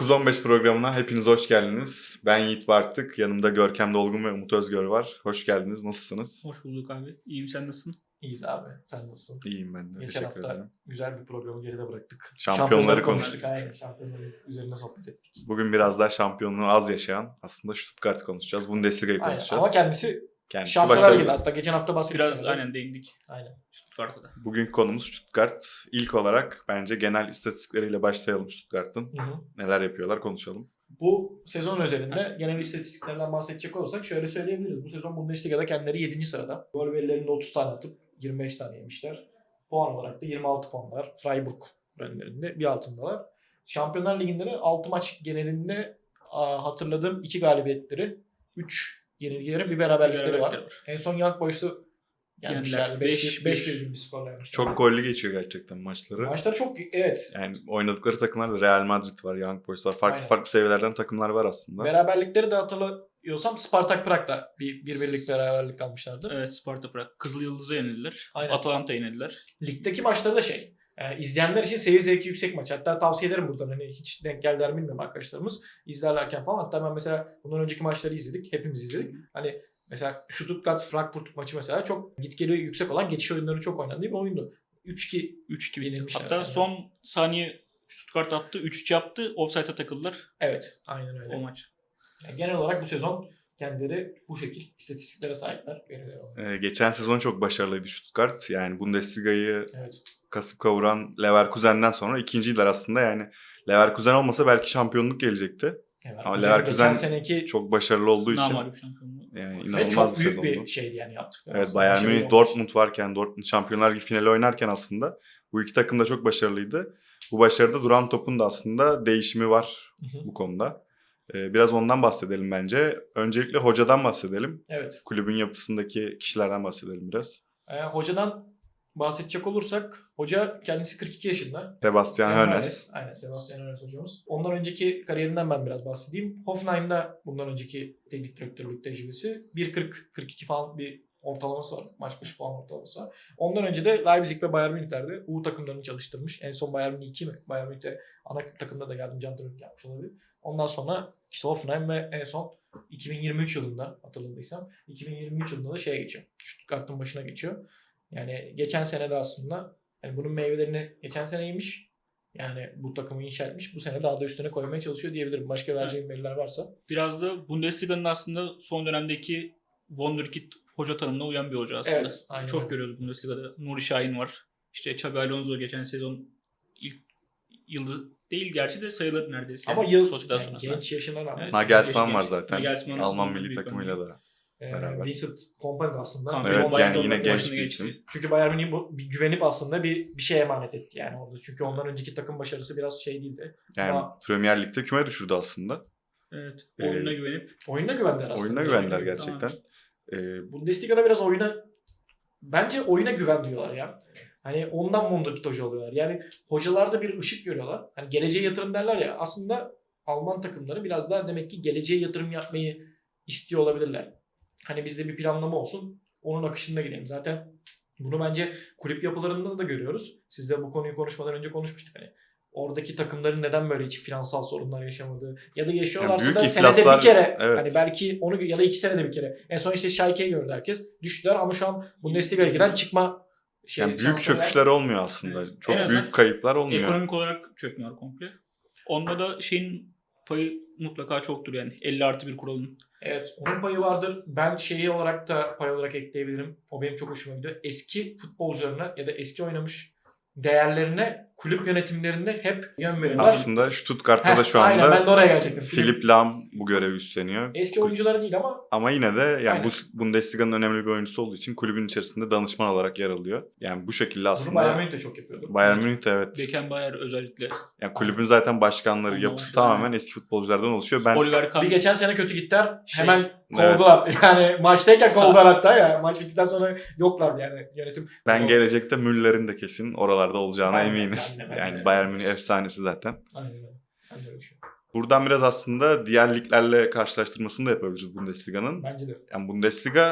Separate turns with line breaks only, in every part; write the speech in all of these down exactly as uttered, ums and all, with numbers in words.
dokuz on beş programına hepiniz hoş geldiniz. Ben Yiğit Bartık, yanımda Görkem Dolgun ve Umut Özgör var. Hoş geldiniz, nasılsınız?
Hoş bulduk abi. İyiyim, sen nasılsın?
İyiyiz abi. Sen nasılsın?
İyiyim ben de.
Geçen
Teşekkür
hafta
ederim.
güzel bir programı geride bıraktık.
Şampiyonları konuştuk.
Aynen, şampiyonları üzerine sohbet ettik.
Bugün biraz daha şampiyonluğu az yaşayan aslında Stuttgart'ı konuşacağız. Bundesliga'yı
Aynen.
konuşacağız.
Ama kendisi,
Kendisi
Şampiyonlar
başarılı.
Ligi'nde. Hatta geçen hafta bahsettik.
Biraz
yani.
aynen değindik.
Aynen.
Stuttgart'ta da.
Bugün konumuz Stuttgart. İlk olarak bence genel istatistikleriyle başlayalım Stuttgart'ın.
Hı hı.
Neler yapıyorlar konuşalım.
Bu sezon özelinde genel istatistiklerden bahsedecek olursak şöyle söyleyebiliriz. Bu sezon Bundesliga'da kendileri yedinci sırada. Gol verilerinde otuz tane atıp yirmi beş tane yemişler. Puan olarak da yirmi altı puan var. Freiburg önlerinde bir altındalar. Şampiyonlar Ligi'nde de altı maç genelinde hatırladığım iki galibiyetleri, üç yenilgileri, bir beraberlikleri var.
Beraberlikleri var.
En son Young Boys'u yenmişlerdi. beş bir gibi bir skorla yenmişler.
Çok gollü geçiyor gerçekten maçları.
Maçları çok, evet.
Yani oynadıkları takımlarda Real Madrid var, Young Boys var. Farklı
Aynen.
farklı seviyelerden takımlar var aslında.
Beraberlikleri de hatırlıyorsam Spartak Prag'da bir, bir birlik beraberlik almışlardı.
Evet, Sparta Prag. Kızıl Yıldız'a yenildiler.
Aynen.
Atalanta yenildiler.
Ligdeki maçları da şey, e, izleyenler için seyir zevki yüksek maç. Hatta tavsiye ederim buradan, hani hiç denk geldiler bilmiyorum arkadaşlarımız. İzlerlerken falan. Hatta ben mesela bundan önceki maçları izledik. Hepimiz izledik. Hani mesela Stuttgart-Frankfurt maçı mesela çok git geli yüksek olan, geçiş oyunları çok oynandığı bir oyundu. üç iki
üç iki
yenilmişler.
Hatta
yani.
son saniye Stuttgart attı. üç üç yaptı. Offside'a takıldılar
Evet, aynen öyle.
o maç.
Yani genel olarak bu sezon kendileri bu şekil istatistiklere sahipler. Veriler olarak.
Ee, geçen sezon çok başarılıydı Stuttgart. Yani Bundesliga'yı
Evet.
kasıp kavuran Leverkusen'den sonra ikinciydiler aslında. Yani Leverkusen olmasa belki şampiyonluk gelecekti.
Evet.
Ama
Güzel,
Leverkusen
geçen seneki
çok başarılı olduğu için
Namağlup şampiyonluğu.
yani
ve
inanılmaz
çok
bir
büyük
sezondu.
bir şeydi yani yaptıkları.
Evet,
aslında.
Bayern
Başarılı
Münih,
olmuş.
Dortmund varken, Dortmund Şampiyonlar Ligi finali oynarken aslında bu iki takım da çok başarılıydı. Bu başarıda duran topun da aslında değişimi var
Hı hı.
bu konuda. Ee, biraz ondan bahsedelim bence. Öncelikle hocadan bahsedelim.
Evet.
Kulübün yapısındaki kişilerden bahsedelim biraz.
Ee, hocadan bahsedecek olursak, hoca kendisi kırk iki yaşında.
Sebastian Hoeneß.
Aynen, Sebastian Hoeneß hocamız. Ondan önceki kariyerinden ben biraz bahsedeyim. Hoffenheim'da bundan önceki teknik direktörlük tecrübesi. bir kırk kırk iki falan bir ortalaması var. Maç başı puan ortalaması var. Ondan önce de Leipzig ve Bayern Münih'lerde U takımlarını çalıştırmış. En son Bayern Münih iki mi? Bayern Münih'te ana takımda da yardımcı antrenörlük yapmış olabilir. Ondan sonra işte Hoffenheim ve en son iki bin yirmi üç yılında, hatırladıysam iki bin yirmi üç yılında da şeye geçiyor. Stuttgart'ın başına geçiyor. Yani geçen sene de aslında yani bunun meyvelerini geçen sene yemiş. Yani bu takımı inşa etmiş. Bu sene daha da üstüne koymaya çalışıyor diyebilirim. Başka vereceğim veriler varsa.
Biraz da Bundesliga'nın aslında son dönemdeki Wonderkid hoca tanımına uyan bir hoca aslında.
Evet, aynen
Çok
öyle.
görüyoruz Bundesliga'da. Nuri Şahin var. İşte Xabi Alonso geçen sezon ilk yılı değil gerçi de sayılır neredeyse.
Ama
Yani
yıl
Sociedad
yani
sonrasında.
genç yaşına rağmen.
Evet.
Nagelsmann
Genç-
var
genç.
zaten.
Nagelsmann
Alman
aslında
milli
büyük
takımıyla da.
Ee,
beraber.
Vincent Kompany de aslında.
Kompany.
Evet,
Bayern
yani
Münih'in
yine genç
başına
bir
geçti.
isim.
Çünkü Bayern Münih bu- bir güvenip aslında bir bir şey emanet etti yani orada. Çünkü ondan önceki takım başarısı biraz şey değildi.
Yani
Ama
Premier Lig'de küme düşürdü aslında.
Evet.
Ee,
Oyununa güvenip
oyuna güvendiler aslında.
Oyununa güvendiler gerçekten. Ee,
Bundesliga'da biraz oyuna, bence oyuna güven diyorlar ya. Hani ondan Wonderkid hoca oluyorlar. Yani hocalarda bir ışık görüyorlar. Hani geleceğe yatırım derler ya. Aslında Alman takımları biraz daha demek ki geleceğe yatırım yapmayı istiyor olabilirler. Hani bizde bir planlama olsun. Onun akışında gidelim. Zaten bunu bence kulüp yapılarında da görüyoruz. Siz de bu konuyu konuşmadan önce konuşmuştuk. Hani oradaki takımların neden böyle hiç finansal sorunlar yaşamadığı ya da yaşıyorlarsa
Yani
da
büyük
senede
iflaslar-
bir kere
evet.
hani belki onu ya da iki senede bir kere. En son işte Schalke'yi gördü herkes. Düştüler ama şu an Bundesliga'ya giren çıkma şey,
yani büyük
şansları var.
çöküşler olmuyor aslında.
Evet.
Çok
En azından
büyük kayıplar olmuyor.
ekonomik olarak çökmüyor komple. Onda da şeyin payı mutlaka çoktur yani. elli artı bir kuralın.
Evet, onun payı vardır. Ben şeyi olarak da pay olarak ekleyebilirim. O benim çok hoşuma gidiyor. Eski futbolcularına ya da eski oynamış değerlerine kulüp yönetimlerinde hep yön veriyorlar.
Aslında Stuttgart'ta da şu anda
Aynen, ben de oraya gelecektim.
Philipp Lahm bu görevi üstleniyor.
Eski oyuncuları değil ama
Ama yine de yani
Aynen.
bu Bundesliga'nın önemli bir oyuncusu olduğu için kulübün içerisinde danışman olarak yer alıyor. Yani bu şekilde
bunu
aslında
Bayern Münih de çok yapıyordu.
Bayern Münih de evet.
Beckenbauer özellikle.
Yani kulübün zaten başkanları,
Ondan
yapısı
sonra-
tamamen eski futbolculardan oluşuyor. Ben
Oliver Kahn.
Bir geçen sene kötü gittiler.
Şey,
hemen
evet.
kovdular. Yani maçtayken
Sa-
kovdular hatta ya. Maç bittikten sonra yoklardı yani yönetim.
ben
O-
gelecekte Müller'in de kesin oralarda olacağına
Aynen,
eminim.
ben de, ben
Yani
de.
Bayern Münih efsanesi zaten.
Aynen öyle. Ben de öyle düşünüyorum.
Buradan biraz aslında diğer liglerle karşılaştırmasını da yapabiliriz Bundesliga'nın.
Bence de.
Yani Bundesliga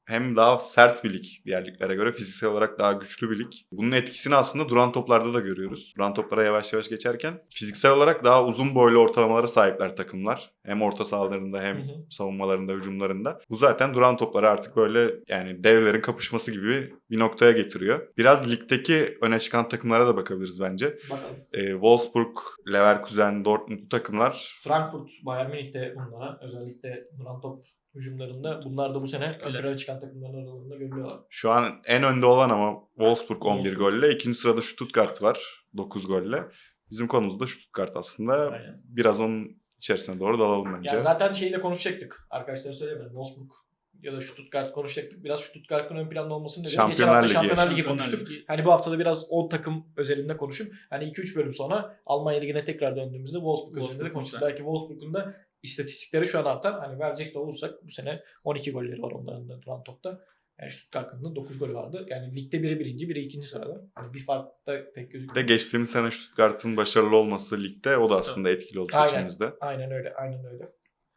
hem daha sert bir lig diğer liglere göre. Fiziksel olarak daha güçlü bir lig. Bunun etkisini aslında duran toplarda da görüyoruz. Duran toplara yavaş yavaş geçerken fiziksel olarak daha uzun boylu ortalamalara sahipler takımlar. Hem orta sahalarında hem
Hı hı.
savunmalarında, hücumlarında. Bu zaten duran topları artık böyle yani devlerin kapışması gibi bir noktaya getiriyor. Biraz ligdeki öne çıkan takımlara da bakabiliriz bence.
Bakalım.
Ee, Wolfsburg, Leverkusen, Dortmund bu takımlar
Frankfurt, Bayern Münih de bunlara özellikle duran top hücumlarında bunlar da bu sene ön
Evet.
plana çıkan takımların aralarında görülüyorlar.
şu an en önde olan ama Wolfsburg on bir
Wolfsburg.
golle. İkinci sırada Stuttgart var dokuz golle. Bizim konumuz da Stuttgart aslında.
Aynen.
Biraz onun içerisine doğru dalalım bence.
Ya zaten şeyi de konuşacaktık. Arkadaşlar söylemedim. Wolfsburg ya da Stuttgart konuşacaktık. Biraz Stuttgart'ın ön planda olmasını dedim. Geçen
Şampiyonlar
hafta
Ligi.
Şampiyonlar Ligi
Şampiyonlar
konuştuk.
Ligi.
Hani bu haftada biraz o takım özelinde konuşup hani iki üç bölüm sonra Almanya Ligi'ne tekrar döndüğümüzde Wolfsburg özelinde de
Wolfsburg
konuşacağız.
lütfen.
Belki Wolfsburg'un da istatistikleri şu an artar. Hani verecek de olursak bu sene on iki golleri var onların da duran topta. Yani Stuttgart'ın da dokuz golü vardı. Yani ligde biri birinci, biri ikinci sırada. Hani bir fark da pek
Bir
gözükmüyor.
de geçtiğimiz sene Stuttgart'ın başarılı olması ligde o da aslında etkili oldu
Aynen.
seçimimizde.
Aynen öyle, aynen öyle.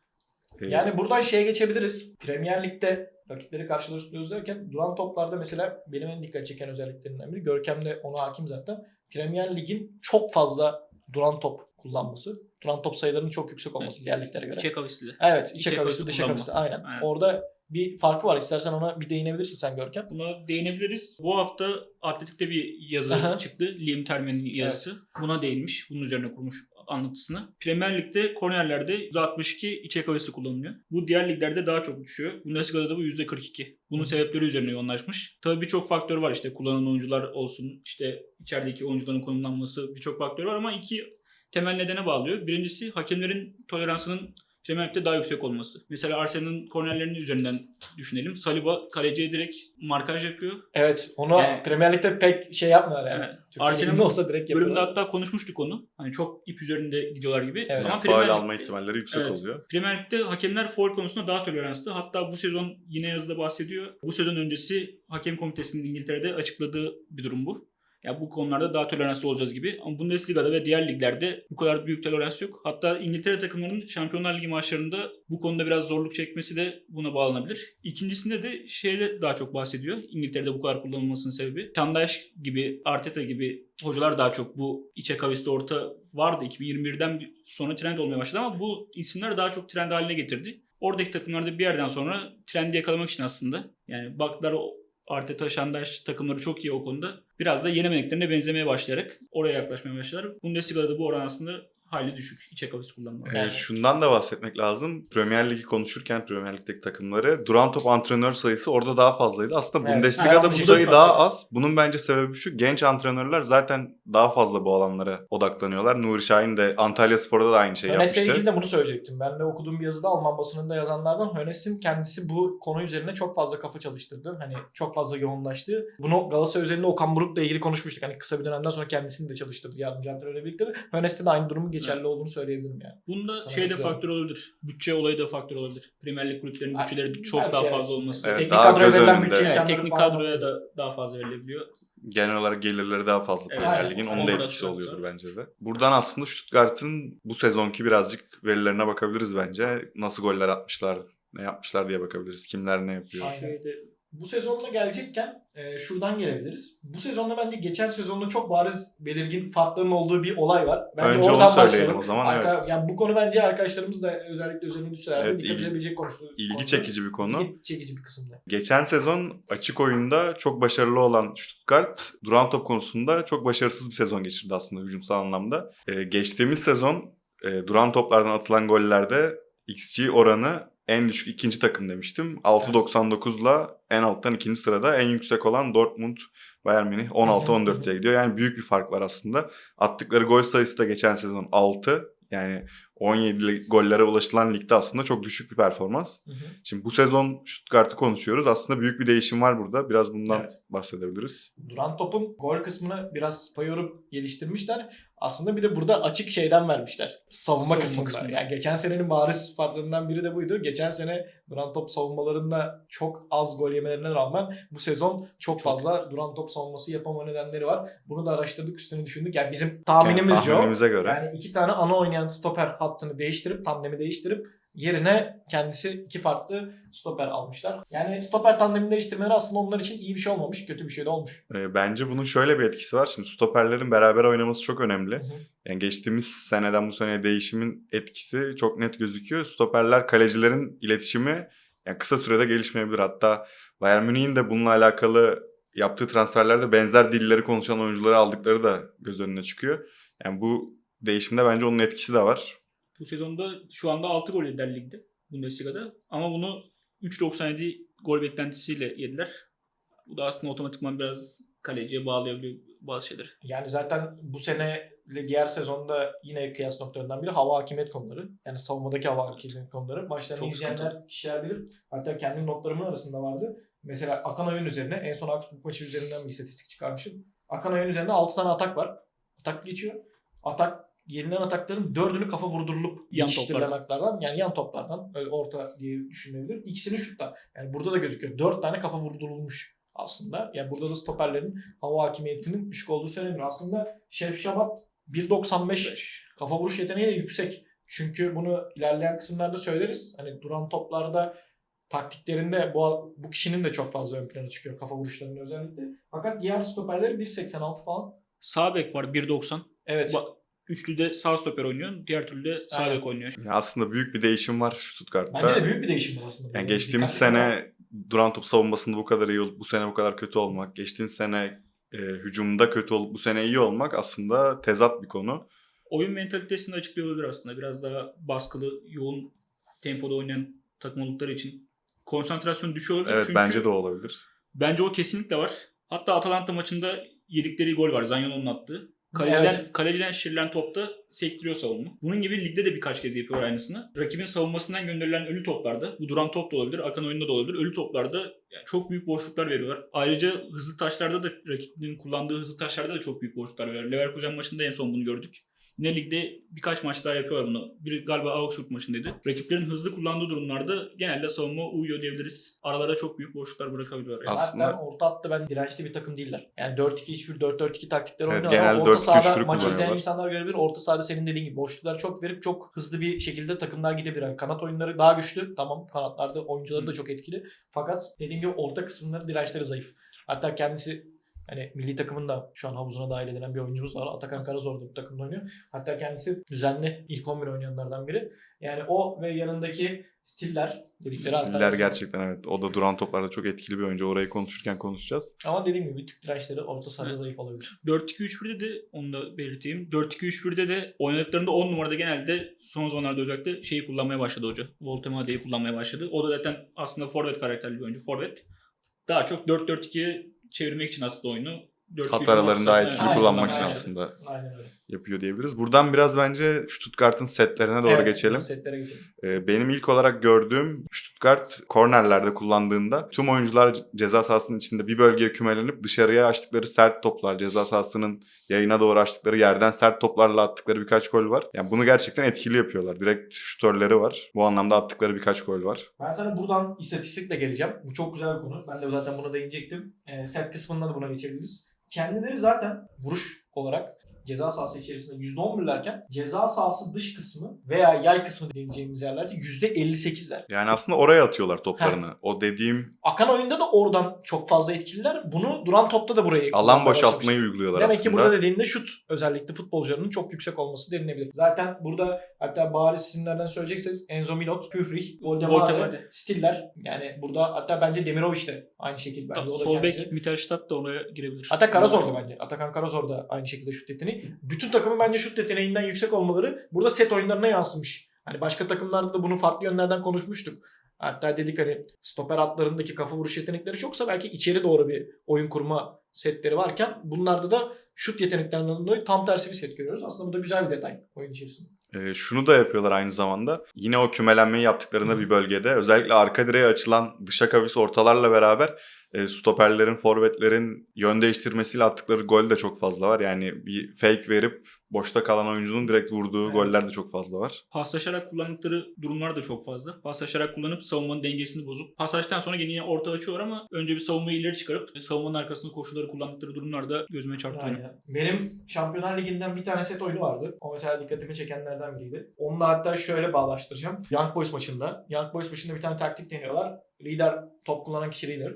Ee,
Yani buradan şeye geçebiliriz. Premier Lig'de rakipleri karşılaştırıyoruz derken duran toplarda mesela benim en dikkat çeken özelliklerinden biri. Görkem de ona hakim zaten. Premier Lig'in çok fazla duran top kullanması. Duran top sayılarının çok yüksek olması
Evet.
diğer liglere göre.
İçe kavisli.
Evet, içe
İçe
kavisli,
kavisli
dışa
kullanma.
kavisli. Aynen.
Aynen.
Orada bir farkı var. İstersen ona bir değinebilirsin sen Görkem.
Buna değinebiliriz. Bu hafta Atletik'te bir yazı
Aha.
çıktı. Liam Termen'in yazısı. Buna değinmiş. Bunun üzerine kurmuş anlatısını. Premier Lig'de kornerlerde yüzde altmış iki içe kavisi kullanılıyor. Bu diğer liglerde daha çok düşüyor. Bundesliga'da da bu yüzde kırk iki. Bunun
Hı.
sebepleri üzerine yoğunlaşmış. Tabii birçok faktör var. İşte kullanan oyuncular olsun, işte içerideki oyuncuların konumlanması, birçok faktör var ama iki temel nedene bağlıyor. Birincisi hakemlerin toleransının Premier Lig'de daha yüksek olması. Mesela Arsenal'ın kornerlerinin üzerinden düşünelim. Saliba kaleciye direkt markaj yapıyor.
Evet, onu
Yani-
Premier Lig'de pek şey yapmıyorlar yani.
Evet.
Türkiye
Arsenal'ın
Ligi'nde olsa direkt
Bölümde
yapıyorlar.
hatta konuşmuştuk onu. Hani çok ip üzerinde gidiyorlar gibi.
Evet.
Ama
faul
Premier
alma
Lig'de-
ihtimalleri yüksek
Evet.
oluyor.
Premier Lig'de hakemler faul konusunda daha toleranslı. Hatta bu sezon yine yazıda bahsediyor. Bu sezon öncesi hakem komitesinin İngiltere'de açıkladığı bir durum bu. Yani bu konularda daha toleranslı olacağız gibi. Ama Bundesliga'da ve diğer liglerde bu kadar büyük tolerans yok. Hatta İngiltere takımlarının Şampiyonlar Ligi maçlarında bu konuda biraz zorluk çekmesi de buna bağlanabilir. İkincisinde de şeyde daha çok bahsediyor. İngiltere'de bu kadar kullanılmasının sebebi. Tandaş gibi, Arteta gibi hocalar daha çok bu içe kavisli orta vardı. iki bin yirmi birden sonra trend olmaya başladı ama bu isimler daha çok trend haline getirdi. Oradaki takımlarda bir yerden sonra trendi yakalamak için aslında yani baktılar o Arteta, Şandaş takımları çok iyi o konuda. Biraz da yenemediklerine benzemeye başlayarak oraya yaklaşmaya başladılar. Bundesliga'da da bu oran aslında hayli düşük. İçe kavis kullanma.
Ee,
Yani-
şundan da bahsetmek lazım. Premier Ligi konuşurken Premier Lig'deki takımları duran top antrenör sayısı orada daha fazlaydı. Aslında
Evet.
Bundesliga'da
Ha,
bu
bu da
sayı
farklı.
daha az. Bunun bence sebebi şu. Genç antrenörler zaten daha fazla bu alanlara odaklanıyorlar. Nuri Şahin de Antalya Spor'da da aynı şeyi
Hönes'le ilgili
yapmıştı.
de bunu söyleyecektim. Ben de okuduğum bir yazıda Alman basınında yazanlardan Hönes'in kendisi bu konu üzerine çok fazla kafa çalıştırdı. Hani çok fazla yoğunlaştı. Bunu Galatasaray üzerinde Okan Buruk'la ilgili konuşmuştuk. Hani kısa bir dönemden sonra kendisini de çalıştırdı yardımcı antrenörle birlikte de. Hönes'te de aynı durumun geçerli olduğunu söyleyebilirim yani.
Bunda
Sana
şey de
katılıyorum.
faktör olabilir. Bütçe olayı da faktör olabilir. Premier Lig kulüplerinin
Ay,
bütçeleri çok
belki
daha
evet.
fazla olması.
Evet,
Teknik
daha
kadroya
göz
verilen
önünde.
bütçe
Evet,
imkanları
teknik
falan
kadroya
oluyor.
da daha fazla verilebiliyor.
Genel olarak gelirleri daha fazla
Evet.
Premier
Aynen.
Lig'in. Onun
Aynen.
da
Orası
etkisi
da
oluyordur
var.
bence de. Buradan aslında Stuttgart'ın bu sezonki birazcık verilerine bakabiliriz bence. Nasıl goller atmışlar, ne yapmışlar diye bakabiliriz. Kimler ne yapıyor.
Aynen.
Şeyde,
Bu sezonla gelecekken e, şuradan gelebiliriz. Bu sezonla bence geçen sezonla çok bariz belirgin farkların olduğu bir olay var. Bence
Önce onu
oradan
söyleyelim
başlayalım.
o zaman,
Arka-
evet.
Yani bu konu bence arkadaşlarımız da özellikle üzerine düşselerdi
Evet,
dikkat
ilgi-
edebilecek konuştu.
İlgi
konuda.
çekici bir konu.
İlgi çekici bir kısımda.
Geçen sezon açık oyunda çok başarılı olan Stuttgart duran top konusunda çok başarısız bir sezon geçirdi aslında hücumsal anlamda. Ee, geçtiğimiz sezon e, duran toplardan atılan gollerde X G oranı en düşük ikinci takım demiştim. altı doksan dokuzla en alttan ikinci sırada, en yüksek olan Dortmund, Bayern Münih on altı on dört'e gidiyor. Yani büyük bir fark var aslında. Attıkları gol sayısı da geçen sezon altı. Yani on yedi gollere ulaşılan ligde aslında çok düşük bir performans.
Hı hı.
Şimdi bu sezon Stuttgart'ı konuşuyoruz. Aslında büyük bir değişim var burada. Biraz bundan
Evet.
bahsedebiliriz.
Duran topun gol kısmını biraz payorup geliştirmişler. Aslında bir de burada açık şeyden vermişler. Savunma,
Savunma
kısmında.
kısmında.
Yani geçen senenin bariz farklarından biri de buydu. Geçen sene duran top savunmalarında çok az gol yemelerine rağmen bu sezon çok fazla duran top savunması yapama nedenleri var. Bunu da araştırdık, üstüne düşündük. Yani bizim tahminimizce
Yani
o.
tahminimize göre.
Yani iki tane ana oynayan stoper hattını değiştirip, tandemi değiştirip Yerine kendisi iki farklı stoper almışlar. Yani stoper tandemini değiştirmeleri aslında onlar için iyi bir şey olmamış. Kötü bir şey de olmuş.
E, bence bunun şöyle bir etkisi var. Şimdi stoperlerin beraber oynaması çok önemli.
Hı hı.
Yani geçtiğimiz seneden bu seneye değişimin etkisi çok net gözüküyor. Stoperler kalecilerin iletişimi yani kısa sürede gelişmeyebilir. Hatta Bayern Münih'in de bununla alakalı yaptığı transferlerde benzer dilleri konuşan oyuncuları aldıkları da göz önüne çıkıyor. Yani bu değişimde bence onun etkisi de var.
Bu sezonda şu anda altı gol yediler ligde Bundesliga'da. Ama bunu üç virgül doksan yedi gol beklentisiyle yediler. Bu da aslında otomatikman biraz kaleciye bağlayabiliyor bazı şeyleri.
Yani zaten bu sene ile diğer sezonda yine kıyas noktalarından biri hava hakimiyet konuları. Yani savunmadaki hava hakimiyet konuları. Maçlarını
Çok
izleyenler,
sıkıntı.
kişiler bilir. Hatta kendi notlarımın arasında vardı. Mesela akan oyun üzerine en son Augsburg maçı üzerinden bir istatistik çıkarmışım. Akan oyun üzerinde altı tane atak var. Atak geçiyor. Atak yenilen atakların dördünü kafa vurdurulup
Yan
yetiştirilen
toplardan.
ataklardan. Yani yan toplardan. Öyle orta diye düşünülebilir. İkisini şutla. Yani burada da gözüküyor. Dört tane kafa vurdurulmuş aslında. Yani burada da stoperlerin hava hakimiyetinin düşük olduğu söyleniyor. Aslında Şef Şabat bir virgül doksan beş kafa vuruş yeteneği de yüksek. Çünkü bunu ilerleyen kısımlarda söyleriz. Hani duran toplarda taktiklerinde bu, bu kişinin de çok fazla ön plana çıkıyor kafa vuruşlarının özellikle. Fakat diğer stoperleri bir virgül seksen altı falan.
Sağ bek var bir virgül doksan.
Evet.
Ba- Üçlü de sağ stoper oynuyor. Diğer türlü de sağ
Aynen.
bek oynuyor.
Yani aslında büyük bir değişim var Stuttgart'ta.
Bence de büyük bir değişim var aslında.
Yani
Böyle
geçtiğimiz
dikkatli ama-
sene duran top savunmasında bu kadar iyi olup bu sene bu kadar kötü olmak, geçtiğimiz sene e, hücumda kötü olup bu sene iyi olmak aslında tezat bir konu.
Oyun mentalitesini açıklıyor olabilir aslında. Biraz daha baskılı, yoğun tempoda oynayan takım oldukları için konsantrasyon düşüyor olabilir.
Evet
Çünkü
bence de olabilir.
bence o kesinlikle var. Hatta Atalanta maçında yedikleri gol var. Zaniolo'nun attığı. Kaleciden,
Evet.
kaleciden şişirilen topta sektiriyor savunma. Bunun gibi ligde de birkaç kez yapıyor aynısını. Rakibin savunmasından gönderilen ölü toplarda, bu duran top da olabilir, akan oyunda da olabilir. Ölü toplarda yani çok büyük boşluklar veriyorlar. Ayrıca hızlı taşlarda da rakibin kullandığı hızlı taşlarda da çok büyük boşluklar veriyorlar. Leverkusen maçında en son bunu gördük. Yine ligde birkaç maç daha yapıyorlar bunu. Biri galiba Augsburg maçındaydı. Rakiplerin hızlı kullandığı durumlarda genelde savunma uyuyor diyebiliriz. Aralara çok büyük boşluklar bırakabiliyorlar. Yani.
Aslında-
Zaten orta hattı ben dirençli bir takım değiller. Yani dört iki üç bir dört dört iki taktikleri
Evet,
oynuyorlar.
genelde
Ama orta
dört iki üç
sahada
bir
maç izleyen
kullanıyorlar.
insanlar görebilir. Orta sahada senin dediğin gibi boşluklar çok verip çok hızlı bir şekilde takımlar gidebilir. Yani kanat oyunları daha güçlü. Tamam, kanatlarda oyuncuları da çok etkili. Fakat dediğim gibi orta kısımları dirençleri zayıf. Hatta kendisi hani milli takımın da şu an havuzuna dahil edilen bir oyuncumuz var. Atakan Karazor da bu takımda oynuyor. Hatta kendisi düzenli ilk on bir oynayanlardan biri. Yani o ve yanındaki Stiller dedikleri hatta-
Stiller gerçekten evet. O da duran toplarda çok etkili bir oyuncu. Orayı konuşurken konuşacağız.
Ama dediğim gibi bir tık dirençleri orta sahada
Evet.
zayıf olabilir.
dört iki üç birde de onu da belirteyim. dört iki üç birde de oynadıklarında on numarada genelde son zamanlarda özellikle şeyi kullanmaya başladı hoca. Voltemade'yi kullanmaya başladı. O da zaten aslında forvet karakterli bir oyuncu. Forvet. Daha çok dört dört ikiye çevirmek için aslında oyunu. dört iki üç
Hat aralarını daha
ortasına-
etkili
Aynen,
kullanmak için
aynen.
aslında
Aynen öyle.
yapıyor diyebiliriz. Buradan biraz bence Stuttgart'ın setlerine doğru
Evet,
geçelim.
Setlere geçelim.
Ee, Benim ilk olarak gördüğüm Stuttgart kornerlerde kullandığında tüm oyuncular ceza sahasının içinde bir bölgeye kümelenip dışarıya açtıkları sert toplar, ceza sahasının yayına doğru açtıkları yerden sert toplarla attıkları birkaç gol var. Yani bunu gerçekten etkili yapıyorlar. Direkt şutörleri var. Bu anlamda attıkları birkaç gol var.
Ben sana buradan istatistikle geleceğim. Bu çok güzel bir konu. Ben de zaten buna değinecektim. E, set kısmından da buna geçebiliriz. Kendileri zaten vuruş olarak ceza sahası içerisinde yüzde on birlerken ceza sahası dış kısmı veya yay kısmı diyeceğimiz yerlerde yüzde elli sekizler.
Yani aslında oraya atıyorlar toplarını. O dediğim
Akan oyunda da oradan çok fazla etkililer. Bunu duran topta da burayı
alan
kullanmaya
boşaltmayı
başlamışlar.
uyguluyorlar
Demek
aslında.
ki burada dediğinde şut özellikle futbolcularının çok yüksek olması denilebilir. Zaten burada hatta bariz isimlerden söyleyecekseniz Enzo Milot, Pührich, Voldemade,
Voldemade.
Stiller. Yani burada hatta bence Demirovic de aynı şekilde. Bence o da
Sol
kendisi.
bek Mittelstadt da oraya girebilir.
Hatta Karazor da bence. Atakan Karazor da aynı şekilde şut yeteneği. Bütün takımın bence şut yeteneğinden yüksek olmaları burada set oyunlarına yansımış. Hani başka takımlarda da bunu farklı yönlerden konuşmuştuk. Hatta dedik hani stoper hatlarındaki kafa vuruş yetenekleri çoksa belki içeri doğru bir oyun kurma setleri varken bunlarda da şut yeteneklerinden dolayı tam tersi bir set görüyoruz. Aslında bu da güzel bir detay oyun içerisinde.
Ee, şunu da yapıyorlar aynı zamanda. Yine o kümelenmeyi yaptıklarında bir bölgede özellikle arka direğe açılan dışa kavis ortalarla beraber e, stoperlerin, forvetlerin yön değiştirmesiyle attıkları gol de çok fazla var. Yani bir fake verip boşta kalan oyuncunun direkt vurduğu
Evet.
goller de çok fazla var.
Paslaşarak kullandıkları durumlar da çok fazla. Paslaşarak kullanıp savunmanın dengesini bozup paslaştan sonra yine orta açıyorlar ama önce bir savunmayı ileri çıkarıp savunmanın arkasında koşuları kullandıkları durumlar da gözüme çarptı benim.
Aynen. Benim Şampiyonlar Ligi'nden bir tane set oyunu vardı. O mesela dikkatimi çekenlerden biriydi. Onunla hatta şöyle bağlaştıracağım. Young Boys maçında. Young Boys maçında bir tane taktik deniyorlar. Lider, top kullanan kişi lider.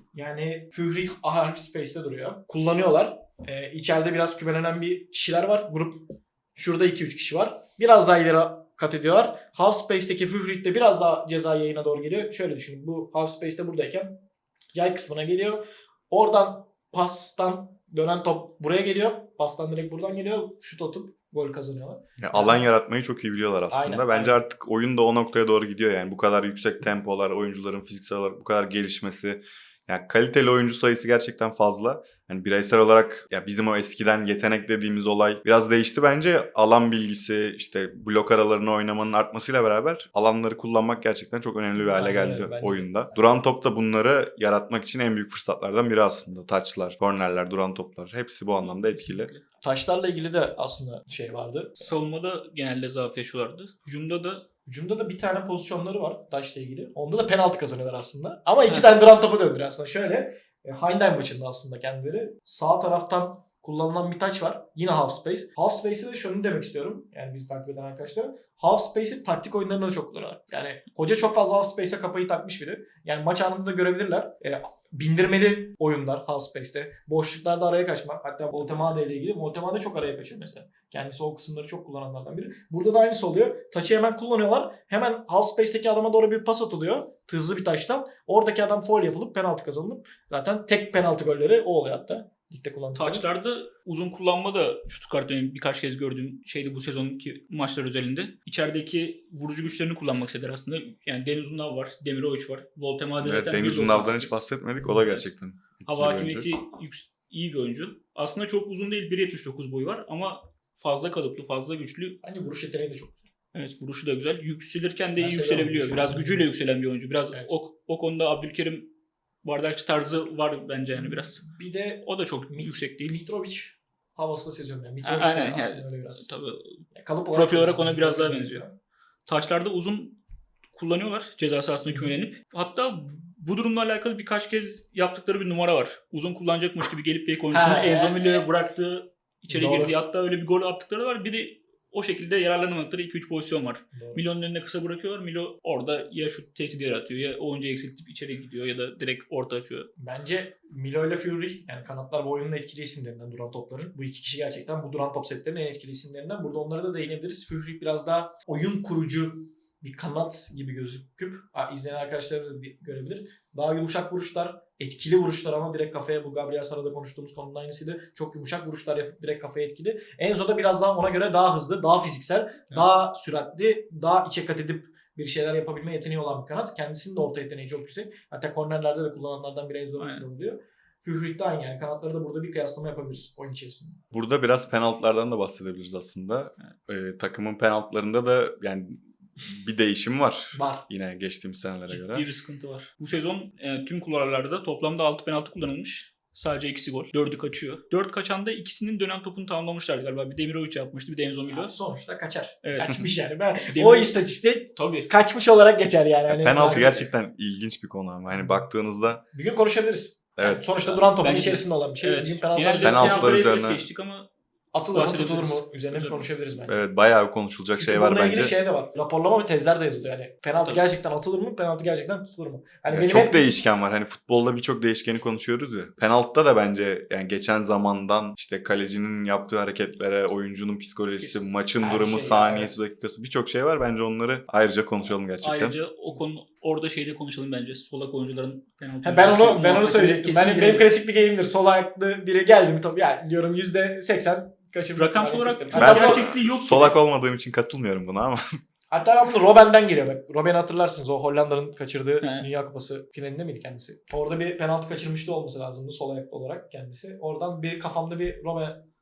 Yani Führig half space'te duruyor. Kullanıyorlar. Ee, içeride biraz kümelenen bir kişiler var. Grup şurada iki üç kişi var. Biraz daha ileri kat ediyorlar. Half space'teki Führig de biraz daha ceza yayına doğru geliyor. Şöyle düşünün. Bu half space'te buradayken yay kısmına geliyor. Oradan pastan dönen top buraya geliyor. Pastan direkt buradan geliyor. Şut atıp gol kazanıyorlar.
Yani alan yaratmayı çok iyi biliyorlar aslında.
Aynen,
Bence
aynen.
artık oyun da o noktaya doğru gidiyor yani. Bu kadar yüksek tempolar, oyuncuların fiziksel olarak bu kadar gelişmesi. Yani kaliteli oyuncu sayısı gerçekten fazla. Yani bireysel olarak ya bizim o eskiden yetenek dediğimiz olay biraz değişti bence. Alan bilgisi, işte blok aralarını oynamanın artmasıyla beraber alanları kullanmak gerçekten çok önemli bir hale
Aynen
geldi
öyle, bence de.
oyunda. Duran top da bunları yaratmak için en büyük fırsatlardan biri aslında. Taçlar, kornerler, duran toplar hepsi bu anlamda etkili.
Taşlarla ilgili de aslında şey vardı.
Savunmada genelde zaaf yaşıyorlardı. Hücumda da
Hücumda da bir tane pozisyonları var taşla ilgili. Onda da penaltı kazanıyorlar aslında. Ama iki
Evet.
tane duran topu döndürüyor aslında. Şöyle e, Heidenheim maçında aslında kendileri. Sağ taraftan kullanılan bir taç var. Yine half space. Half space'e de şunu demek istiyorum. Yani bizi takip eden arkadaşlar. Half space'i taktik oyunlarında da çok kullanıyorlar. Yani hoca çok fazla half space'e kafayı takmış biri. Yani maç anında da görebilirler. E, bindirmeli oyunlar half space'te. Boşluklarda araya kaçmak. Hatta Voltemade ile ilgili. Voltemade çok araya kaçıyor mesela. Kendisi o kısımları çok kullananlardan biri. Burada da aynısı oluyor. Taçı hemen kullanıyorlar. Hemen half space'teki adama doğru bir pas atılıyor. Hızlı bir taştan. Oradaki adam foul yapılıp penaltı kazanılıp zaten tek penaltı golleri o oluyor hatta. Ligde kullandıkları.
taçlarda uzun kullanma da Stuttgart benim birkaç kez gördüğüm şeydi bu sezonki maçlar özelinde. İçerideki vurucu güçlerini kullanmak istediler aslında. Yani Deniz Undav var, Demirovic var. Voltemade
Evet,
zaten
Deniz
bir
Undav'dan
doksan
hiç
sekiz.
bahsetmedik. O da gerçekten etkili
Hava
bir oyuncu.
hakimiyeti yüks- iyi bir oyuncu. Aslında çok uzun değil, bir yetmiş dokuz boyu var ama fazla kalıplı, fazla güçlü.
Bence vuruş yeteneği de çok güzel.
Evet, vuruşu da güzel. Yükselirken de
Ben
iyi
seviyorum
yükselebiliyor.
vuruşu.
Biraz gücüyle yükselen bir oyuncu. Biraz
Evet.
o, o konuda Abdülkerim bardakçı tarzı var bence yani biraz.
Bir de
O da çok
Mit-
yüksek değil.
Mitrovic havası da seziyorum yani.
A-
Mitrovic de
aynen,
aslında
yani
öyle biraz.
Tabii
Yani kalıp
profil olarak
biraz
ona biraz daha
benziyor.
benziyor. Taçlarda uzun kullanıyorlar ceza sahasında kümelenip. Hatta bu durumla alakalı birkaç kez yaptıkları bir numara var. Uzun kullanacakmış gibi gelip bek oyuncusunu
Ha,
Enzo
e-
Milio'ya bıraktığı, içeri
Doğru.
girdiği, hatta öyle bir gol attıkları var. Bir de o şekilde yararlanamadıkları iki üç pozisyon var.
Doğru.
Milo'nun önüne kısa bırakıyorlar. Milo orada ya şut tehdidi yaratıyor ya oyuncuyu eksiltip içeri gidiyor ya da direkt orta açıyor.
Bence Milo ile Fury yani kanatlar bu oyunun etkili isimlerinden duran topların. Bu iki kişi gerçekten bu duran top setlerinin en etkili isimlerinden. Burada onlara da değinebiliriz. Fury biraz daha oyun kurucu bir kanat gibi gözüküp ha, izleyen arkadaşlar da bir görebilir. Daha yumuşak vuruşlar, etkili vuruşlar ama direkt kafaya, bu Gabriel Sara'da konuştuğumuz konunun aynısıydı. Çok yumuşak vuruşlar yapıp direkt kafaya etkili. Enzo da biraz daha ona göre daha hızlı, daha fiziksel, daha süratli, daha içe kat edip bir şeyler yapabilme yeteneği olan bir kanat. Kendisinin de orta yeteneği çok yüksek. Hatta kornerlerde de kullananlardan biri Enzo
Aynen.
oluyor. Führig de aynı yani. Kanatları da burada bir kıyaslama yapabiliriz oyun içerisinde.
Burada biraz penaltılardan da bahsedebiliriz aslında. Ee, takımın penaltılarında da yani bir değişim var.
Var.
Yine geçtiğimiz senelere göre.
Ciddi bir sıkıntı var. Bu sezon e, tüm kulvarlarda toplamda altı penaltı kullanılmış. Sadece ikisi gol. dördü kaçıyor. dört kaçanda ikisinin dönem topunu tamamlamışlardı galiba. Bir Demirovic yapmıştı, bir de Enzo Milo.
Yani sonuçta kaçar.
Evet.
Kaçmış yani. Ben,
Demir-
o istatistik
Tabii.
kaçmış olarak geçer yani. Hani
Penaltı
bence-
gerçekten ilginç bir konu ama. Hani baktığınızda
Bir gün konuşabiliriz. Yani
evet.
sonuçta duran topun
Bence-
içerisinde olan bir şey.
Evet.
Bir gün penaltı
Genelde
Penaltılar
penaltıları
üzerine-
üzerine geçtik ama
atılır mı tutulur
bahsedebiliriz.
mu üzerine bir
Üzerine.
konuşabiliriz bence.
Evet, bayağı konuşulacak
Çünkü
şey var
bununla
bence.
ilgili şey de var. Raporlama ve tezler de yazılıyor yani. Penaltı
Tabii.
gerçekten atılır mı? Penaltı gerçekten tutulur mu? Hani
Ya
benim
çok
hep-
değişken var. Hani futbolda birçok değişkeni konuşuyoruz ya. Penaltıda da bence yani geçen zamandan işte kalecinin yaptığı hareketlere, oyuncunun psikolojisi,
Kesin.
maçın
Her
durumu,
şey,
saniyesi, dakikası birçok şey var. Bence onları ayrıca konuşalım gerçekten.
ayrıca o konu orada şeyde konuşalım bence. Solak oyuncuların penaltı.
Ha, ben onu ben onu
muhabbetine
söyleyecektim.
kesin
Benim, benim
girelim.
klasik bir game'dir. Sol ayaklı biri geldi mi tabii yani diyorum yüzde seksen kaçırmış.
Rakamsal olarak
Hatta,
çok
Ben
bu-
gerçekliği yok.
solak olmadığım için katılmıyorum buna ama.
hatta ben bunu Robben'den geliyor bak. Robben'i hatırlarsınız. O Hollanda'nın kaçırdığı
He.
Dünya Kupası finalinde miydi kendisi? Orada bir penaltı kaçırmıştı olması lazımdı sol ayaklı olarak kendisi. Oradan bir kafamda bir Robben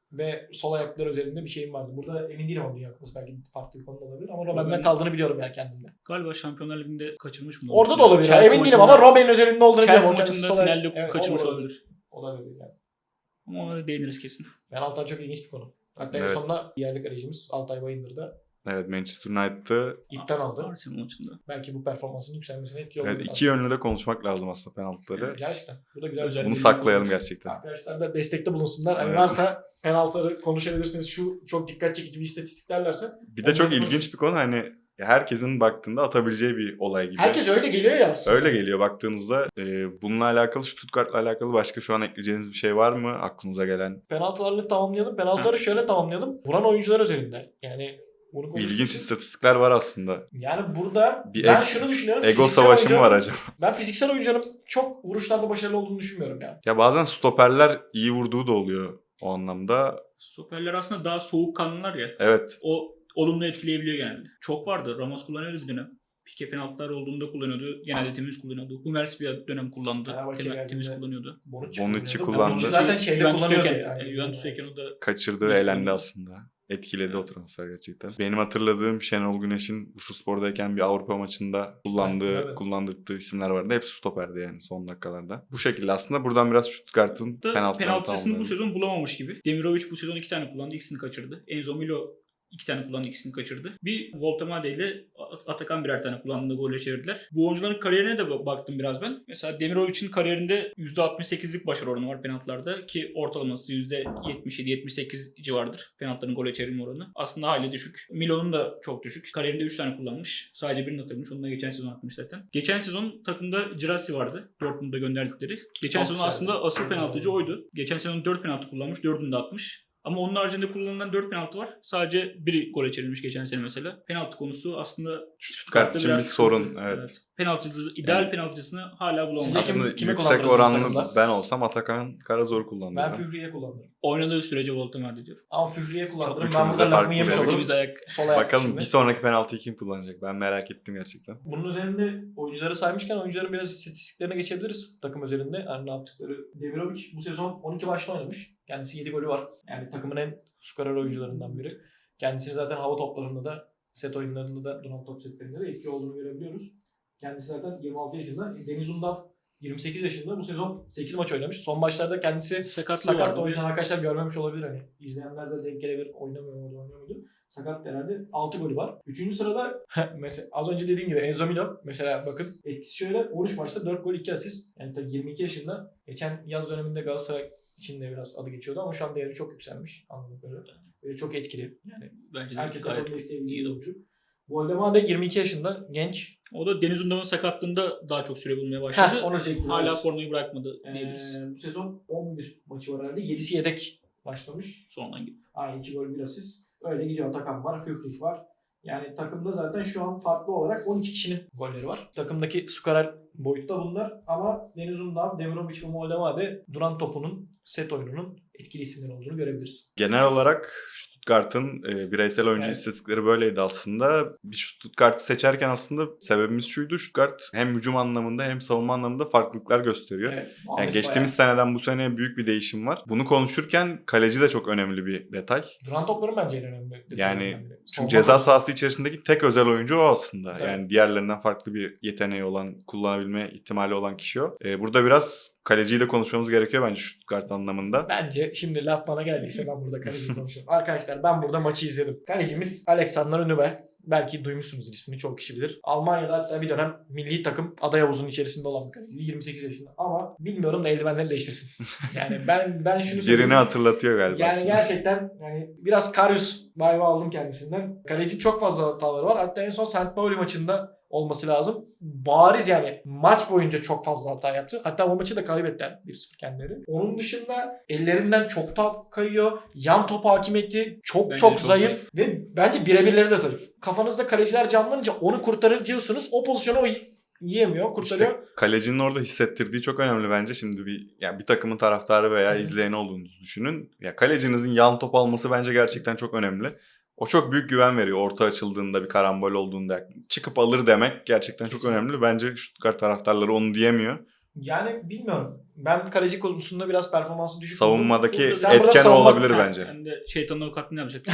ve sol ayaklar özelinde bir şeyim vardı. Burada emin değilim ama Dünya Kupası belki farklı bir konuda olabilir ama Robben'den
Robben-
kaldığını biliyorum yani kendimde.
Galiba Şampiyonlar Ligi'nde kaçırmış mı?
Orada da olabilir.
Chelsea
Emin değilim
maçında-
ama Robben'in özelinde olduğunu biliyorum.
Chelsea
O kendisi
maçında
sol ayak-
finalde
Evet,
kaçırmış
o da
olabilir.
Olabilir yani.
Ama ona değiniriz kesin.
Penaltılar çok ilginç bir konu. Hatta en
Evet.
sonunda yerli kalecimiz Altay Bayındır da
Evet, Manchester United'ı
ipten aldı.
Arsenal maçında.
Belki bu performansının yükselmesine etkili oldu.
evet, iki yönlü de konuşmak lazım aslında penaltıları.
Gerçekten. Bu da güzel. bir
Özel-
konu.
Bunu saklayalım gerçekten.
Arkadaşlar da destekte bulunsunlar. Hani
Evet.
varsa penaltıları konuşabilirsiniz. Şu çok dikkat çekici bir istatistik derlerse.
Bir de çok
Onları
ilginç bir konu, hani herkesin baktığında atabileceği bir olay gibi.
Herkes öyle geliyor ya aslında.
Öyle geliyor baktığınızda. E, bununla alakalı, Stuttgart'la alakalı başka şu an ekleyeceğiniz bir şey var mı aklınıza gelen?
Penaltılarını tamamlayalım. Penaltıları şöyle tamamlayalım. Vuran oyuncular özelinde. Yani bunu konuşmak
İlginç
için-
istatistikler var aslında.
Yani burada
Bir
ben
eg-
şunu düşünüyorum.
Ego
fiziksel
savaşı mı
oyuncu-
var acaba?
Ben fiziksel oyuncuların çok vuruşlarda başarılı olduğunu düşünmüyorum ya.
Ya bazen stoperler iyi vurduğu da oluyor o anlamda.
Stoperler aslında daha soğukkanlılar ya.
Evet.
O olumlu etkileyebiliyor genelde. Çok vardı. Ramos kullanıyordu bir dönem. Pike penaltılar olduğunda kullanıyordu. Genelde temiz kullanıyordu. Hummels bir dönem kullandı.
Fenerbahçe
Temiz,
geldiğinde-
temiz kullanıyordu.
Bonucci,
Bonucci
kullanıyordu.
kullandı.
Bonucci zaten şeyde kullanıyordu.
Juventus'tayken,
Yani.
yani. Juventus'tayken o da
Kaçırdı ve elendi aslında. Etkiledi o transfer gerçekten. Benim hatırladığım Şenol Güneş'in Bursaspor'dayken bir Avrupa maçında kullandığı,
Evet, evet.
kullandırdığı isimler vardı. Hepsi stoperdi yani son dakikalarda. Bu şekilde aslında buradan biraz Stuttgart'ın
da
penaltılarını
penaltısını bu
tamamlayalım.
sezon bulamamış gibi. Demirovic bu sezon iki tane kullandı, ikisini kaçırdı. Enzo Milo iki tane kullandı, ikisini kaçırdı. Bir Voltemade ile At- Atakan birer tane kullandığında golle çevirdiler. Bu oyuncuların kariyerine de ba- baktım biraz ben. Mesela Demirovic'in kariyerinde yüzde altmış sekizlik başarı oranı var penaltılarda ki ortalaması yüzde yetmiş yedi yetmiş sekiz civarıdır penaltıların gole çevirme oranı. Aslında hayli düşük. Milo'nun da çok düşük. Kariyerinde üç tane kullanmış. Sadece birini atılmış. Onu da geçen sezon atmış zaten. Geçen sezon takımda Girassi vardı. Dortmund'a gönderdikleri. Geçen
Çok
sezon
güzel.
aslında asıl
Çok
penaltıcı
güzel.
oydu. Geçen sezon dört penaltı kullanmış. dördünü de atmış. Ama onun haricinde kullanılan dört penaltı var. Sadece biri gole çevrilmiş geçen sene mesela. Penaltı konusu aslında
Stuttgart için bir
biraz
sorun.
sıkıntı.
Evet.
Penaltıcı, ideal
Yani-
penaltıcısını hala bulamamış.
Sizce kim-
Aslında
kime
yüksek
kullandırırsınız
oranlı
takımda?
ben olsam Atakan Karazor'u kullanırdım.
Ben Führi'ye kullanırım.
Oynadığı sürece Voltemade diyor.
Ama Führi'ye kullanırım. Ben
üçümüz de
burada lafımı
farklı
yemiş
yani.
olurum.
Temiz ayak.
Sol ayak
Bakalım
şimdi.
bir sonraki penaltıyı kim kullanacak? Ben merak ettim gerçekten.
Bunun üzerinde oyuncuları saymışken oyuncuların biraz istatistiklerine geçebiliriz takım özelinde. Yani ne yaptıkları. Demirovic bu sezon on iki maçta oynamış. Kendisi yedi golü var. Yani takımın en skorer oyuncularından biri. Kendisini zaten hava toplarında da, set oyunlarında da, duran top setlerinde de etkili olduğunu görebiliyoruz. Kendisi zaten yirmi altı yaşında. Deniz Undav yirmi sekiz yaşında. Bu sezon sekiz maç oynamış. Son maçlarda kendisi
Sakatlığı
sakat.
vardı.
O yüzden arkadaşlar görmemiş olabilir hani. İzleyenler de denk gelebilir. Oynamıyor mu, oynuyor muydu? Sakat herhalde. altı golü var. Üçüncü sırada mesela az önce dediğim gibi Enzo Milo. Mesela bakın etkisi şöyle. on üç maçta dört gol iki asist. Yani tabii yirmi iki yaşında. Geçen yaz döneminde Galatasaray için de biraz adı geçiyordu ama şu an değeri çok yükselmiş. Anladığım kadarıyla. Böyle çok etkili. Yani
Bence de
herkes
gayet
takımda isteyebileceği
iyi.
bir oyuncu. Voldemade yirmi iki yaşında. Genç.
O da Deniz Undav'ın sakatlığında daha çok süre bulmaya başladı.
Heh, onu çektim.
Hala
evet.
formayı bırakmadı diyebiliriz.
Ee, bu sezon on bir maçı var herhalde. yedisi yedek başlamış.
Sondan gibi.
Aynı iki gol bir asist. Öyle gidiyor. Atakan var, Führig var. Yani takımda zaten şu an farklı olarak on iki kişinin golleri var. Takımdaki skorer boyutta bunlar ama Deniz Undav, Demirovic ve Moldavade duran topunun, set oyununun etkili isimler olduğunu görebiliriz.
Genel olarak Stuttgart'ın e, bireysel oyuncu
Evet.
istatistikleri böyleydi aslında. Bir Stuttgart'ı seçerken aslında sebebimiz şuydu. Stuttgart hem hücum anlamında hem savunma anlamında farklılıklar gösteriyor.
Evet.
Yani
Ahmet
geçtiğimiz
bayağı-
seneden bu seneye büyük bir değişim var. Bunu konuşurken kaleci de çok önemli bir detay.
Duran topların bence en önemli.
Yani
detaylarından biri.
Çünkü
Savunma
ceza
topu-
sahası içerisindeki tek özel oyuncu o aslında.
Evet.
Yani diğerlerinden farklı bir yeteneği olan, kullanabilme ihtimali olan kişi o. Ee, burada biraz kaleciyi de konuşmamız gerekiyor bence Stuttgart anlamında.
Bence şimdi laf bana geldiyse ben burada kaleci konuşuyorum. Arkadaşlar ben burada maçı izledim. Kalecimiz Alexander Nübel. Belki duymuşsunuzdur ismini, çok kişi bilir. Almanya'da hatta bir dönem milli takım aday havuzunun içerisinde olan bir kaleci. yirmi sekiz yaşında. Ama bilmiyorum da eldivenleri değiştirsin. Yani ben ben şunu söyleyeyim.
Birini hatırlatıyor galiba
Yani
aslında.
gerçekten yani biraz Karius vibe'ı aldım kendisinden. Kaleci çok fazla hataları var. Hatta en son Saint Pauli maçında olması lazım. Bariz yani maç boyunca çok fazla hata yaptı. Hatta o maçı da kaybettiler bir sıfır kendileri. Onun dışında ellerinden çok top kayıyor. Yan top hakimiyeti çok
Bence
çok
çok
zayıf. Ve bence birebirleri de zayıf. Kafanızda kaleciler canlanınca onu kurtarır diyorsunuz. O pozisyonu o y- yiyemiyor, kurtarıyor.
İşte kalecinin orada hissettirdiği çok önemli bence. Şimdi bir yani bir takımın taraftarı veya
Hı.
izleyeni olduğunuzu düşünün. Ya kalecinizin yan top alması bence gerçekten çok önemli. O çok büyük güven veriyor. Orta açıldığında, bir karambol olduğunda çıkıp alır demek gerçekten çok
Kesinlikle.
önemli. Bence Stuttgart taraftarları onu diyemiyor.
Yani bilmiyorum. Ben kaleci konusunda biraz performansı düşük buldum.
Savunmadaki
Burada- sen burada
etken
savunma-
olabilir
Ha,
bence.
Ben de şeytanın avukatlığını yapacaktım.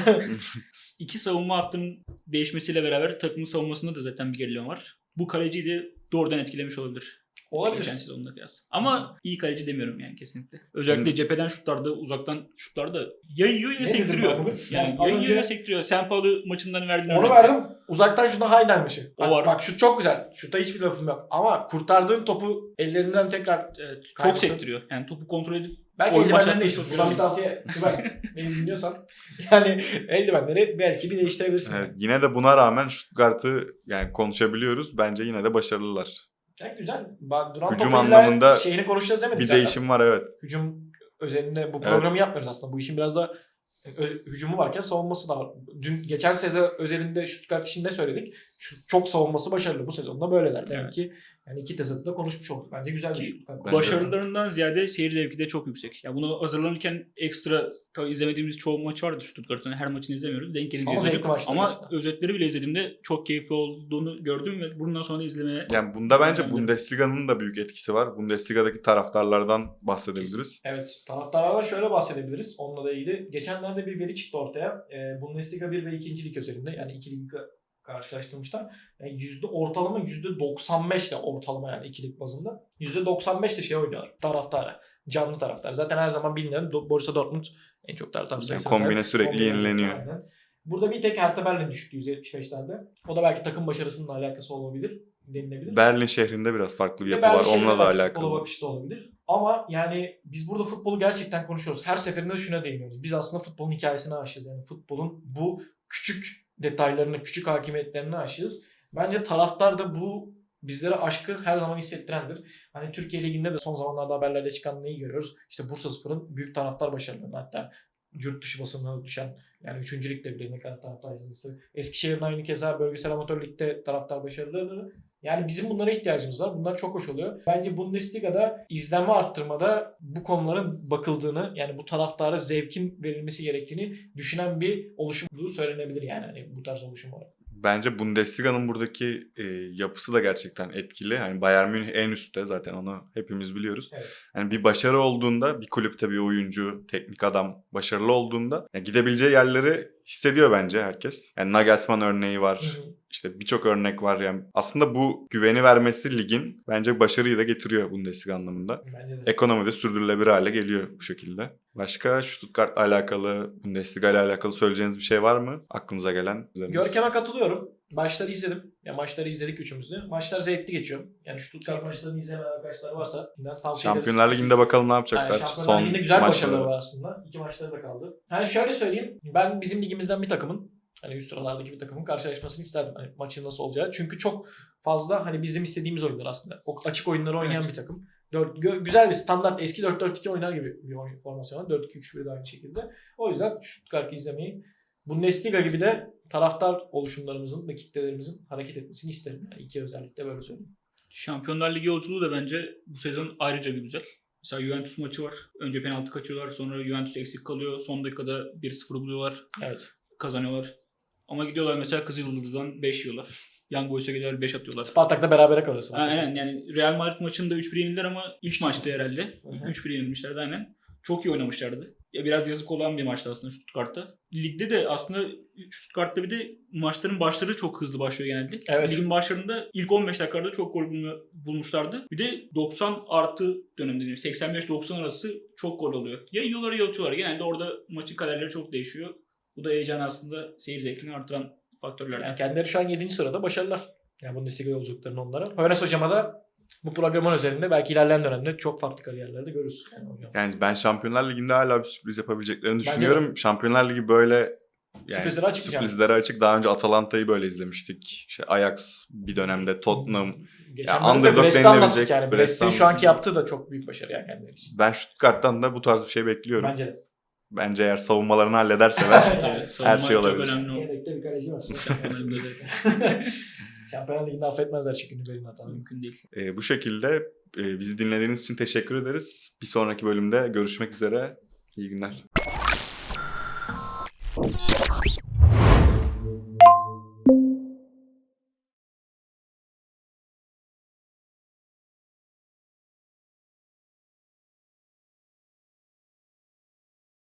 İki savunma hattının değişmesiyle beraber takımın savunmasında da zaten bir gerileme var. Bu kaleciyi de doğrudan etkilemiş olabilir.
Olabilir.
Geçen sezonda kıyas. Ama iyi kaleci demiyorum yani kesinlikle. Özellikle
Hı.
cepheden şutlarda, uzaktan şutlarda ya yiyor ya
Ne dedim
sektiriyor.
ben bugün?
Yani
Yani az
ya yiyor
önce-
ya sektiriyor. Sen Paulo maçından verdiğin
Onu
örnek.
verdim. Uzaktan şuna Heidenmiş'i.
O
Bak,
var.
bak şut çok güzel. Şuta hiçbir lafım yok. Ama kurtardığın topu ellerinden tekrar
Evet, çok
Kaybısı.
sektiriyor. Yani topu kontrol edip
belki
Oyun
eldivenlerini
başlatmak
değiştir.
çok
Buradan bir
güzel.
tavsiye. Tüber, beni dinliyorsan. Yani eldivenleri belki bir değiştirebilirsin.
Evet, yine de buna rağmen Stuttgart'ı yani konuşabiliyoruz. Bence yine de başarılılar.
Yani güzel. Bak, Duran
Hücum
topuyla
anlamında
şeyini konuşacağız demedik
Bir
zaten.
değişim var evet.
Hücum özelinde bu programı yapmıyoruz aslında. Bu işin biraz da ö- hücumu varken savunması da var. Dün geçen sezon özelinde Stuttgart için ne söyledik? Şu, çok savunması başarılı. Bu sezonda böyleler. Demek
Evet.
ki yani iki tezatı da konuşmuş olduk. Bence güzel bir
Ki
Stuttgart.
Bence de.
başarılarından ziyade seyir zevki de çok yüksek. Ya bunu hazırlanırken ekstra tabii izlemediğimiz çoğu maç vardı Stuttgart'ın. Her maçını izlemiyoruz. Denk gelince
Ama
izledik.
zevkli maçlar
Ama
işte.
özetleri bile izlediğimde çok keyifli olduğunu gördüm ve bundan sonra da izlemeye
Yani bunda bence
Bence de.
Bundesliga'nın da büyük etkisi var. Bundesliga'daki taraftarlardan bahsedebiliriz.
Evet. Taraftarlardan şöyle bahsedebiliriz. Onunla da ilgili. Geçenlerde bir veri çıktı ortaya. Ee, Bundesliga bir ve ikinci lig özelinde. Yani iki ligi karşılaştırmışlar. Yani yüzde ortalama yüzde doksan beş de ortalama yani iki lig bazında. yüzde doksan beş de şey oynuyorlar. Taraftara. Canlı taraftar. Zaten her zaman bilinen Do- Borussia Dortmund en çok taraftar
Yani
sayısına
kombine
sahip.
sürekli
Kombine,
yenileniyor.
aynen. Burada bir tek Hertha Berlin düşüktü yüz yetmiş beşlerde. O da belki takım başarısının alakası olabilir. Denilebilir.
Berlin şehrinde biraz farklı bir
Ve
yapı
Berlin
var.
şehrine
Onunla da
belki
alakalı.
Futbola bakışta olabilir. Ama yani biz burada futbolu gerçekten konuşuyoruz. Her seferinde şuna değiniyoruz. Biz aslında futbolun hikayesine aşığız. Yani futbolun bu küçük detaylarına, küçük hakimiyetlerine aşığız. Bence taraftar da bu bizlere aşkı her zaman hissettirendir. Hani Türkiye Ligi'nde de son zamanlarda haberlerde çıkan neyi görüyoruz? İşte Bursaspor'un büyük taraftar başarılarını, hatta yurt dışı basınına düşen yani üçüncü ligde bile ne kadar taraftar sayısı. Eskişehir'in aynı keza bölgesel amatör ligde taraftar başarılarını. Yani bizim bunlara ihtiyacımız var. Bunlar çok hoş oluyor. Bence Bundesliga'da izlenme arttırmada bu konuların bakıldığını, yani bu taraftara zevkin verilmesi gerektiğini düşünen bir oluşum olduğu söylenebilir yani hani bu tarz oluşum olarak.
Bence Bundesliga'nın buradaki e, yapısı da gerçekten etkili. Hani Bayern Münih en üstte, zaten onu hepimiz biliyoruz.
Evet.
Yani bir başarı olduğunda, bir kulüpte bir oyuncu, teknik adam başarılı olduğunda ya gidebileceği yerleri hissediyor bence herkes. Yani Nagelsmann örneği var.
Hı hı.
İşte birçok örnek var yani. Aslında bu güveni vermesi ligin bence başarıyı da getiriyor Bundesliga anlamında.
Bence de.
Ekonomi de sürdürülebilir hale geliyor bu şekilde. Başka Stuttgart'la alakalı, Bundesliga ile alakalı söyleyeceğiniz bir şey var mı? Aklınıza gelen.
Görkem'e katılıyorum. Maçları izledim. Ya maçları izledik üçümüz de. Maçlar zevkli geçiyor. Yani Stuttgart maçlarını izlemeyen arkadaşlar varsa ben tavsiye ederiz.
Şampiyonlar Ligi'nde bakalım ne
Yani
yapacaklar.
Şampiyonlar
Son
Ligi'nde güzel başarıları
maçları.
var aslında. İki maçları da kaldı. Yani şöyle söyleyeyim. Ben bizim ligimizden bir takımın, hani üst sıralardaki bir takımın karşılaşmasını isterdim. Hani maçın nasıl olacağı. Çünkü çok fazla hani bizim istediğimiz oyunlar aslında. O açık oyunları oynayan
Evet.
bir takım. Dört, gö- güzel bir standart eski dört dört iki oynar gibi bir oyun formasyonu. dört iki üç bir de aynı şekilde. O yüzden Stuttgart'ı izlemeyi, Bundesliga gibi de taraftar oluşumlarımızın ve kitlelerimizin hareket etmesini isterim. Yani iki özellikle böyle söyleyeyim.
Şampiyonlar Ligi yolculuğu da bence bu sezon ayrıca bir güzel. Mesela Juventus maçı var. Önce penaltı kaçıyorlar. Sonra Juventus eksik kalıyor. Son dakikada bir sıfır buluyorlar.
Evet.
Kazanıyorlar. Ama gidiyorlar mesela Kızılyıldız'dan beş yiyorlar. Young Boys'a gidiyorlar beş atıyorlar.
Spartak'ta berabere kalıyor. Spartak.
Aynen, yani Real Madrid maçında üç bir yenildiler ama ilk maçtı herhalde.
Hı hı.
üç bir yenilmişlerdi aynen. Çok iyi oynamışlardı. Ya biraz yazık olan bir maçtı aslında Stuttgart'ta. Ligde de aslında Stuttgart'ta bir de maçların başları çok hızlı başlıyor genelde.
Evet.
Ligin başlarında ilk on beş dakikada çok gol bulma- bulmuşlardı. Bir de doksan artı dönemde seksen beş doksan arası çok gol oluyor. Ya yiyorlar ya atıyorlar. Genelde orada maçın kaderleri çok değişiyor. Bu da heyecanı aslında seyir zevkini artıran faktörlerden.
Yani kendileri şu an yedinci sırada, başarılar. Yani Bundesliga yolculuklarını onlara. Hönes hocama da bu programın üzerinde belki ilerleyen dönemde çok farklı kariyerlerde görürüz. Yani hocam.
Yani ben Şampiyonlar Ligi'nde hala bir sürpriz yapabileceklerini
Bence
düşünüyorum. Şampiyonlar Ligi böyle yani
Sürprizlere açık bir
sürprizlere açık. Daha önce Atalanta'yı böyle izlemiştik. İşte Ajax bir dönemde, Tottenham.
Geçen
Ya
bölümde
underdog
Brest'i
denilebilecek-
anlattık yani. Brest'in
Brest'ten-
şu anki yaptığı da çok büyük başarı yani kendileri için.
Ben Stuttgart'tan da bu tarz bir şey bekliyorum.
Bence de.
Bence eğer savunmalarını hallederseler
Tabii, savunma
şey
çok
olabilir.
önemli o.
Yedekte bir kaleci var.
Şampiyonlar Ligi'nde
Şampiyonlar Ligi'nde affetmezler çünkü Nübel'in hatalarını.
mümkün değil.
e, bu şekilde e, bizi dinlediğiniz için teşekkür ederiz. Bir sonraki bölümde görüşmek üzere. İyi günler.